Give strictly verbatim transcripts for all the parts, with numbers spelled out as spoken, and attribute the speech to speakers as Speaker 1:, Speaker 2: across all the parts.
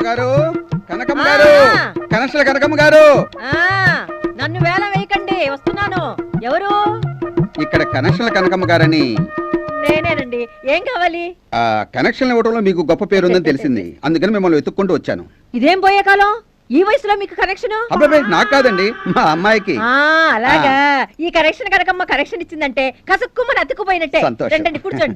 Speaker 1: కనకమ్మ గారు, కనకమ్మ గారు, కనెక్షన్ల కనకమ్మ గారు.
Speaker 2: నన్ను వేల వేయకండి, వస్తున్నాను. ఎవరు?
Speaker 1: ఇక్కడ కనెక్షన్ల కనకమ్మ గారని.
Speaker 2: నేనేనండి. ఏం కావాలి?
Speaker 1: ఆ కనెక్షన్ ఇవ్వడంలో మీకు గొప్ప పేరు ఉందని తెలిసింది, అందుకని మిమ్మల్ని వెతుక్కుంటూ వచ్చాను.
Speaker 2: ఇదేం పోయే కాలం? ఈ వయసులో మీకు కనెక్షన్?
Speaker 1: అబ్బాయి నాకు కాదండి, మా అమ్మాయికి.
Speaker 2: అలాగా. ఈ కనెక్షన్ కనకమ్మ కనెక్షన్ ఇచ్చిందంటే కసుక్కుమని అతుక్కుపోయినట్టే. రండి కూర్చోండి.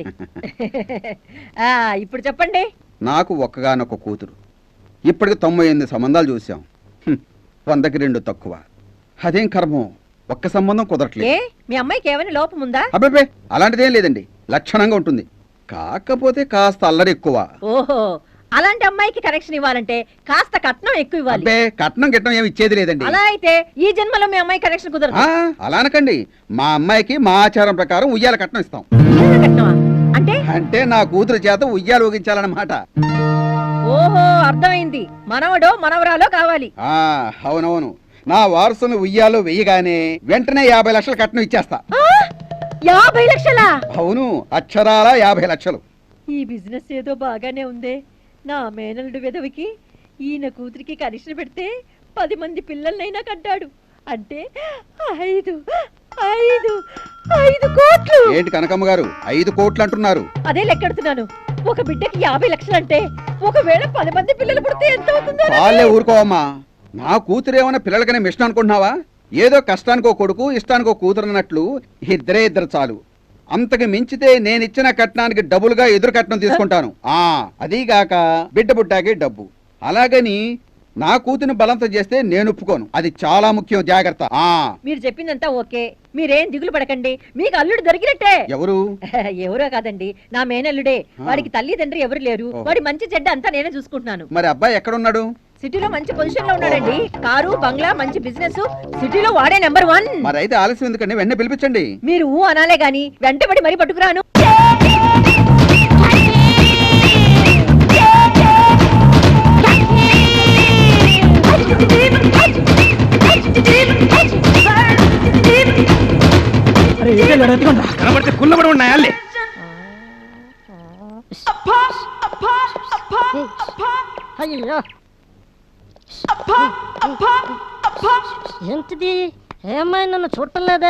Speaker 2: ఆ ఇప్పుడు చెప్పండి.
Speaker 1: నాకు ఒక్కగానొక్క కూతురు. ఇప్పటికి తొంభై ఎనిమిది సంబంధాలు చూసాం, వందకి రెండు తక్కువ. అదేం కర్మం, ఒక్క సంబంధం కుదరట్లేదు.
Speaker 2: మీ అమ్మాయికి ఏమైనా లోపం ఉందా?
Speaker 1: అబ్బాయి అలాంటిదేం లేదండి, లక్షణంగా ఉంటుంది. కాకపోతే కాస్త అల్లరి ఎక్కువ.
Speaker 2: ఓహో, అలాంటి అమ్మాయికి కనెక్షన్ ఇవ్వాలంటే కాస్త కట్నం ఎక్కువ ఇవ్వాలి.
Speaker 1: కట్నం గిట్నం ఏమి ఇచ్చేది లేదండి.
Speaker 2: అలా అయితే ఈ జన్మలో మీ అమ్మాయి కనెక్షన్ కుదరదు.
Speaker 1: అలా అనకండి, మా అమ్మాయికి మా ఆచారం ప్రకారం ఉయ్యాల కట్నం ఇస్తాం.
Speaker 2: అంటే అంటే
Speaker 1: నా కూతురు చేత ఉయ్యాలు ఊగించాలన్నమాట.
Speaker 2: ఓహో, అర్థమైంది. మనవడో మనవరాలో కావాలి.
Speaker 1: అవునవును, నా వారసును ఉయ్యాలో వెయ్యగానే వెంటనే యాభై లక్షలు కట్నం ఇచ్చేస్తా.
Speaker 2: యాభై లక్షలా?
Speaker 1: అవును, అక్షరాల యాభై లక్షలు.
Speaker 2: ఈ బిజినెస్ ఏదో బాగానే ఉందే. నా మేనల్లుడు విధవికి ఈయన కూతురికి కనెక్షన్ పెడితే పది మంది పిల్లలనైనా కట్టాడు అంటే ఐదు ఐదు ఐదు కోట్లు.
Speaker 1: ఏంటి కనకమ్మ గారు, ఐదు కోట్లు అంటున్నారు?
Speaker 2: అదే లెక్కెడుతున్నాను. ఒక బిడ్డకి యాభై లక్షలు అంటే ఒకవేళ పది మంది పిల్లలు పుడితే ఎంత అవుతుందో.
Speaker 1: వాళ్ళే ఊరుకోవమ్మా, నా కూతురు ఏమన్నా పిల్లలకనే మిషన్ అనుకుంటున్నావా? ఏదో కష్టానికో కొడుకు ఇష్టానికో కూతురు అన్నట్లు ఇద్దరే ఇద్దరు చాలు. అంతకు మించితే నేనిచ్చిన కట్నానికి డబుల్గా ఎదురు కట్నం తీసుకుంటాను. ఆ అదీగాక బిడ్డ పుట్టాకే డబ్బు. అలాగని నా కూతురిని బలంతం చేస్తే నేను ఒప్పుకోను, అది చాలా ముఖ్యం, జాగ్రత్త. ఆ
Speaker 2: మీరు చెప్పిందంతా ఓకే, మీరేం దిగులు పడకండి. మీకు అల్లుడు దొరికినట్టే.
Speaker 1: ఎవరు?
Speaker 2: ఎవరో కాదండి, నా మేనల్లుడే. వాడికి తల్లిదండ్రి ఎవరు లేరు. వాడి మంచి చెడ్డ అంతా నేనే చూసుకుంటున్నాను.
Speaker 1: మరి అబ్బాయి ఎక్కడున్నాడు?
Speaker 2: సిటీలో మంచి పొజిషన్ లో ఉన్నాడండి. కారు బంగ్లా మంచి బిజినెస్, సిటీలో వాడే నెంబర్ వన్.
Speaker 1: మరి అయితే ఆలస్యం ఎందుకండి, వెంటనే పిలిపించండి.
Speaker 2: మీరు ఊ అనాలే గాని వెంటబడి మరీ పట్టుకురాను.
Speaker 1: కనబడితే కుల్లబడి ఉన్నాయాలే.
Speaker 3: అయ్యో ఏంటిది? ఏమైనా నన్ను చూడటం లేదా?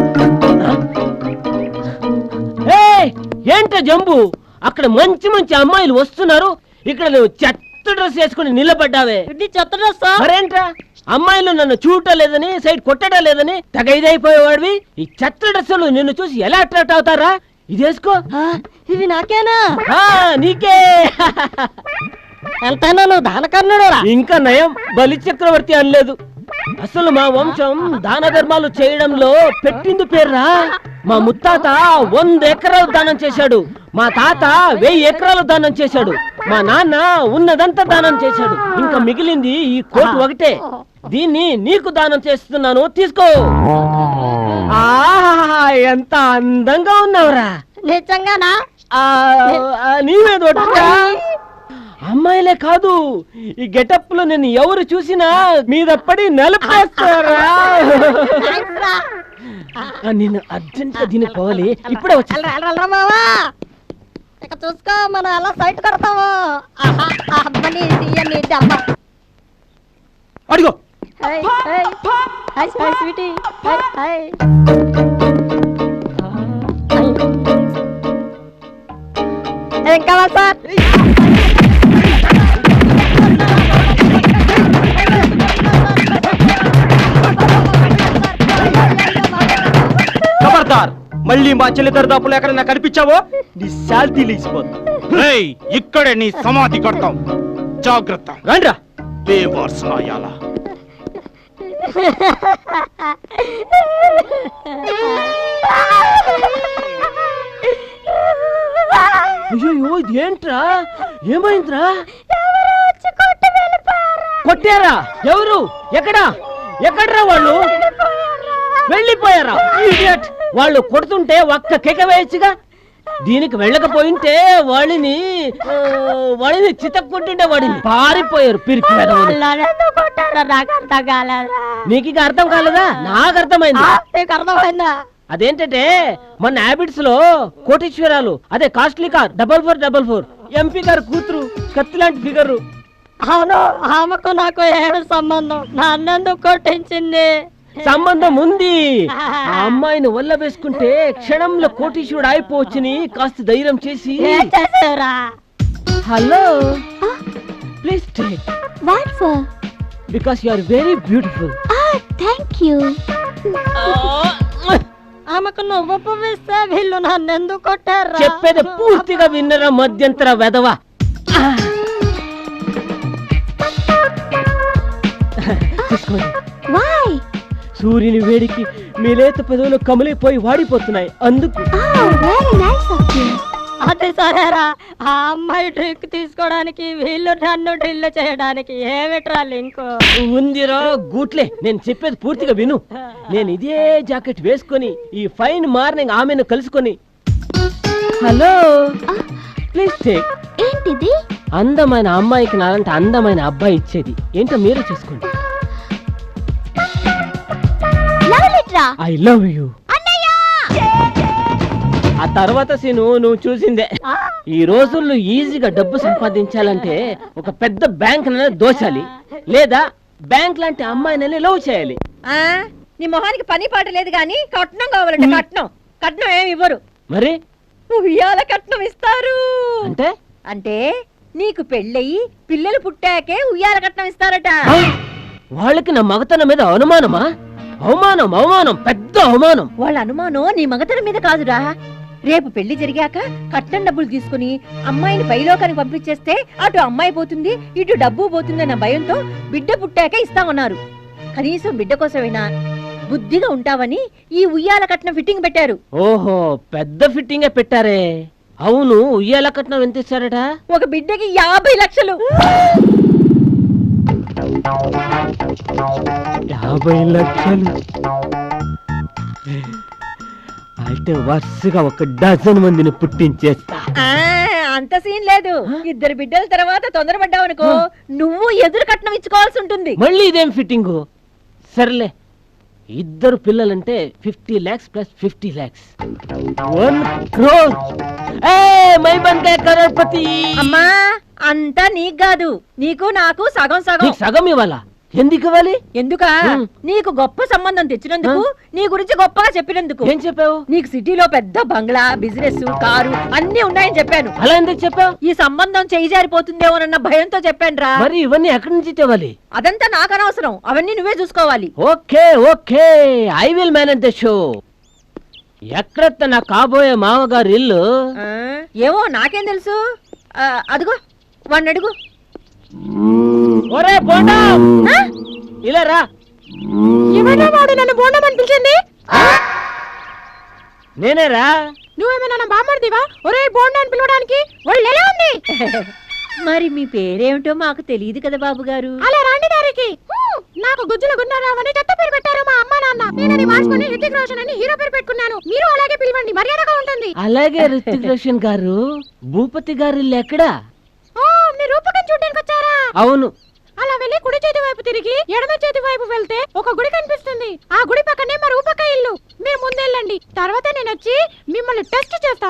Speaker 4: ఏంటో జంబు, అక్కడ మంచి మంచి అమ్మాయిలు వస్తున్నారు, ఇక్కడ నువ్వు చెత్త డ్రెస్ వేసుకుని నిలబడ్డావే.
Speaker 3: చెత్త డ్రెస్?
Speaker 4: మరేంట్రా, అమ్మాయిలు నన్ను చూడటం లేదని, సైడ్ కొట్టడం లేదని తెగ ఇదైపోయేవాడివి. ఈ చెత్త డ్రెస్సులు నిన్ను చూసి ఎలా అట్రాక్ట్ అవుతారా? ఇది వేసుకో.
Speaker 3: ఇవి నాకేనా?
Speaker 4: నీకే.
Speaker 3: ఎంతైనా నువ్వు దానకర్ణుడు.
Speaker 4: ఇంకా నయం, బలి చక్రవర్తి అనలేదు. అసలు మా వంశం దాన ధర్మాలు చేయడంలో పెట్టింది పేర్రా. మా ముత్తాత వంద ఎకరాలు దానం చేశాడు, మా తాత వెయ్యి ఎకరాలు దానం చేశాడు, మా నాన్న ఉన్నదంతా దానం చేశాడు. ఇంకా మిగిలింది ఈ కోటు ఒకటే. దీన్ని నీకు దానం చేస్తున్నాను, తీసుకో. ఆహా, ఎంత అందంగా ఉన్నావురా.
Speaker 3: నిజంగానా?
Speaker 4: నీవే దొడ్డా. అమ్మాయిలే కాదు, ఈ గెటప్ లో నేను ఎవరు చూసినా మీద పడి నలిపేస్తారా. నేను అర్జెంట్ గా దీనికి పోవాలి, ఇప్పుడే వచ్చా.
Speaker 3: ఇక చూసుకో, మనం ఎలా సైట్ కొడతాము.
Speaker 4: అడిగో.
Speaker 3: ఏం కావాలి సార్?
Speaker 4: ఖబర్దార్, మళ్ళీ మా చెల్లి దరిదాపులు ఎక్కడైనా కనిపించావో నీ శాల్తీ లేచిపోతుంది.
Speaker 5: ఇక్కడే నీ సమాధి కడతాం, జాగ్రత్త.
Speaker 4: రండ్రా.
Speaker 5: బేవార్సనాయాల
Speaker 4: అయ్యో, ఇదేంట్రా, ఏమైందిరా? కొట్టారా? ఎవరు? ఎక్కడా? ఎక్కడ్రా వాళ్ళు? వెళ్ళిపోయారా? వాళ్ళు కొడుతుంటే ఒక్క కేక వేయచ్చుగా. దీనికి వెళ్ళకపోయింటే వాళ్ళని వాళ్ళని చితక్కుంటుంటే వాడిని పారిపోయారు పిరికి. నీకు ఇక అర్థం కాలేదా? నాకు అర్థమైంది.
Speaker 3: అర్థమైందా?
Speaker 4: అదేంటంటే మన హ్యాబిట్స్ లో కోటీశ్వరాలు, అదే costly car double four double four MP గారు కూతురు, కత్తి లాంటి ఫిగరు.
Speaker 3: అవును ఆమెకు నాకు ఏమి సంబంధం నన్నెందుకు కొట్టించింది
Speaker 4: సంబంధం ఉంది. ఆ అమ్మాయిని వల్ల వేసుకుంటే క్షణంలో కోటీశ్వరుడు అయిపోవచ్చని కాస్త ధైర్యం చేసి
Speaker 3: ఏం చేసేవరా
Speaker 4: hello please take
Speaker 3: what for
Speaker 4: because you are very beautiful.
Speaker 3: Thank you ఆమెకు నువ్వు పువ్విస్తే వీళ్ళు నన్నెందుకు కొట్టారా
Speaker 4: చెప్పేది పూర్తిగా విన్నరా మధ్యంతర వెధవ. తీసుకోండి.
Speaker 3: వై
Speaker 4: సూర్యుని వేడికి మీ లేత పెదవులు కమిలిపోయి వాడిపోతున్నాయి అందుకు.
Speaker 3: వెరీ నైస్ ఆఫ్ యు అదే సరేరా ఆ అమ్మాయి డ్రింక్ తీసుకోవడానికి వీళ్ళు నన్ను డ్రిల్ చేయడానికి ఏమిట్రా లింక్
Speaker 4: ఉందిరా గూట్లే, నేను చెప్పేది పూర్తిగా విను. నేను ఇదే జాకెట్ వేసుకొని ఈ ఫైన్ మార్నింగ్ ఆమెను కలుసుకొని హలో ప్లీజ్ టేక్
Speaker 3: ఏంటిది
Speaker 4: అందమైన అమ్మాయికి నాలంటే అందమైన అబ్బాయి ఇచ్చేది ఏంటో మీరు చూసుకోండి.
Speaker 3: లవ్ లెటరా
Speaker 4: ఐ లవ్ యూ. ఆ తర్వాత సీను నువ్వు చూసిందే. ఈ రోజుల్లో ఈజీగా డబ్బు సంపాదించాలంటే ఒక పెద్ద బ్యాంక్ దోచాలి, లేదా బ్యాంక్ లాంటి అమ్మాయిని లవ్ చేయాలి.
Speaker 2: ఆ నీ మొహానికి పని పాట లేదు గాని కట్నం కావాలంటే కట్నం కట్నం ఏమి ఇవ్వరు.
Speaker 4: మరి
Speaker 2: ఉయ్యాల కట్నం ఇస్తారు.
Speaker 4: అంటే
Speaker 2: అంటే నీకు పెళ్ళయి పిల్లలు పుట్టాకే ఉయ్యాల కట్నం ఇస్తారట.
Speaker 4: ఆ, వాళ్ళకి నా మగతనం మీద అనుమానమా? అవమానం అవమానం పెద్ద అవమానం.
Speaker 2: వాళ్ళ అనుమానం నీ మగతనం మీద కాదురా. రేపు పెళ్లి జరిగాక కట్నం డబ్బులు తీసుకుని అమ్మాయిని పైలోకానికి పంపించేస్తే అటు అమ్మాయి పోతుంది ఇటు డబ్బు పోతుందన్న భయంతో బిడ్డ పుట్టాక ఇస్తామన్నారు. కనీసం బిడ్డ కోసమైనా బుద్ధిగా ఉంటావని ఈ ఉయ్యాల కట్నం ఫిట్టింగ్ పెట్టారు.
Speaker 4: ఓహో పెద్ద ఫిట్టింగే పెట్టారే. అవును ఉయ్యాల కట్నం ఎంత ఇస్తారట?
Speaker 2: ఒక బిడ్డకి యాభై లక్షలు.
Speaker 4: యాభై లక్షలు అయితే వరుసగా ఒక డజన్ మందిని పుట్టించేస్తా.
Speaker 2: ఆ, అంత సీన్ లేదు. ఇద్దరు బిడ్డల తర్వాత తొందరపడ్డావు అనుకో నువ్వు ఎదురు కట్నం ఇచ్చుకోవాల్సి ఉంటుంది.
Speaker 4: మళ్ళీ ఇదేం ఫిట్టింగు? సర్లే ఇద్దరు పిల్లలంటే fifty lakhs plus fifty lakhs one crore. మై బందే కరోడ్పతి.
Speaker 2: అమ్మా అంతా నీకు కాదు, నీకు నాకు సగం సగం.
Speaker 4: నీకు సగం ఇవ్వాలా? ఎందుకు ఇవ్వాలి?
Speaker 2: ఎందుకా? నీకు గొప్ప సంబంధం తెచ్చినందుకు, నీ గురించి గొప్పగా చెప్పినందుకు.
Speaker 4: ఏం చెప్పావు?
Speaker 2: నీకు సిటీలో పెద్ద బంగ్లా, బిజినెస్, కారు అన్ని ఉన్నాయని చెప్పాను.
Speaker 4: అలా ఎందుకు చెప్పావు?
Speaker 2: ఈ సంబంధం చేయి జారిపోతుందేమోనన్న భయంతో చెప్పానురా.
Speaker 4: మరి ఇవన్నీ ఎక్కడి నుంచి తేవాలి?
Speaker 2: అదంతా నాకు అనవసరం, అవన్నీ నువ్వే చూసుకోవాలి.
Speaker 4: Okay okay I will manage the show. ఎక్కడ నా కాబోయే మామగారు ఇల్లు?
Speaker 2: ఆ, ఏమో నాకేం తెలుసు. ఆ, అదిగో వాడిని అడుగు.
Speaker 4: ఒరే బోండా ఇలా రా.
Speaker 3: ఏమైనా వాడు నన్ను బోండం అని పిలిచింది?
Speaker 4: నేనేరా.
Speaker 3: నువ్వేమైనా నా బామ్మర్దివా ఒరే బోండా అని పిలవడానికి? వాళ్ళు ఎలా ఉంది?
Speaker 2: మరి మీ పేరేమిటో మాకు తెలియదు కదా బాబు గారు.
Speaker 3: అలా రాండి దారికి. నాకు గుజ్జుల గున్నారావు అని చెత్త పేరు పెట్టారు మా అమ్మ నాన్న. నేను అది మార్చుకుని హృతిక్ రోషన్ అని హీరో పేరు పెట్టుకున్నాను. మీరు అలాగే పిలవండి, మర్యాదగా ఉంటుంది.
Speaker 4: అలాగే రితిక్ రోషన్ గారు. భూపతి గారు ఇల్లు ఎక్కడా?
Speaker 3: ఓ మీరు రూపకం చూడడానికి వచ్చారా?
Speaker 4: అవును.
Speaker 3: అలా వెళ్ళి కుడి చేతి వైపు తిరిగి ఎడమ చేతి వైపు వెళ్తే ఒక గుడి కనిపిస్తుంది. ఆ గుడి పక్కనే మా రూపక ఇల్లు. మీరు ముందెళ్ళండి, తర్వాత నేను వచ్చి మిమ్మల్ని టెస్ట్ చేస్తాను.